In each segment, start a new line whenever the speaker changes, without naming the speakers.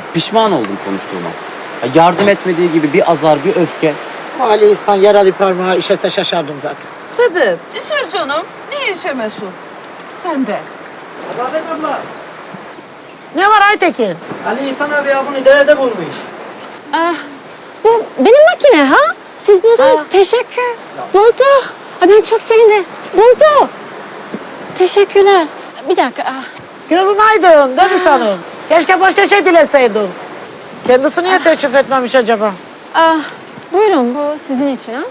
Pişman oldum konuştuğuma. Ya yardım etmediği gibi bir azar, bir öfke.
O Ali İhsan yaralı parmağı işese şaşardım zaten.
Sebep? Düşür canım. Niye işemesin? Sen de.
Babet abla,
Ne var Aytekin?
Ali İhsan abi ya bunu derede bulmuş.
Ah, bu benim makine ha? Siz buldunuz. Teşekkür. Buldu. Ay, ben çok sevindim. Buldu. Teşekkürler. Bir dakika. Ah.
Gözün aydın değil mi sanın? Keşke başka şey dileseydin. Kendisi niye teşrif etmemiş acaba?
Ah, buyurun bu sizin için ha?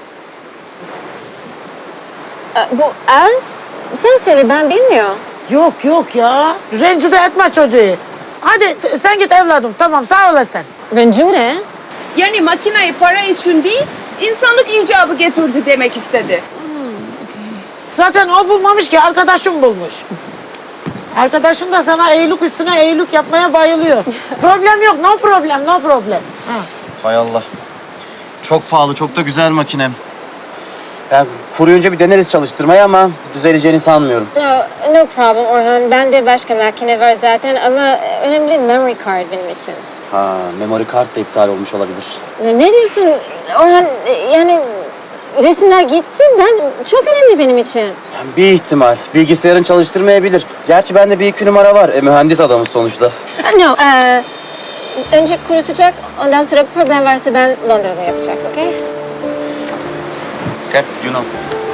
Bu az. Sen söyle ben bilmiyorum.
Yok ya. Rencide etme çocuğu. Hadi sen git evladım. Tamam sağ olasın.
Rencide.
Yani makineyi para için değil, insanlık icabı getirdi demek istedi.
Zaten o bulmamış ki arkadaşım bulmuş. Arkadaşın da sana eğilik üstüne eğilik yapmaya bayılıyor. Problem yok, no problem, no problem. Ha.
Hay Allah. Çok pahalı, çok da güzel makinem. Yani kuruyunca bir deneriz çalıştırmayı ama düzeleceğini sanmıyorum.
No problem Orhan. Bende başka makine var zaten ama önemli değil memory card benim için.
Ha, memory card da iptal olmuş olabilir.
Ne diyorsun Orhan? Yani resimler gitti. Çok önemli benim için.
Yani bir ihtimal. Bilgisayarın çalıştırmayabilir. Gerçi bende bir iki numara var. Mühendis adamız sonuçta.
No. Önce kurutacak. Ondan sonra problem varsa ben Londra'da yapacak. Okay?
Okay, you know.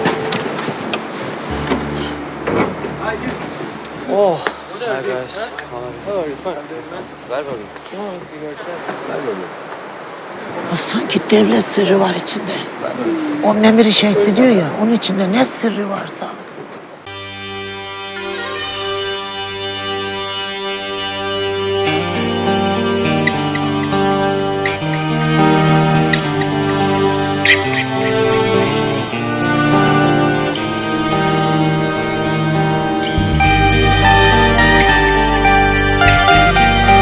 Oh. Hi guys. Ver bakayım.
Sanki devlet sırrı var içinde. Onun emir şeysi diyor ya, onun içinde ne sırrı varsa.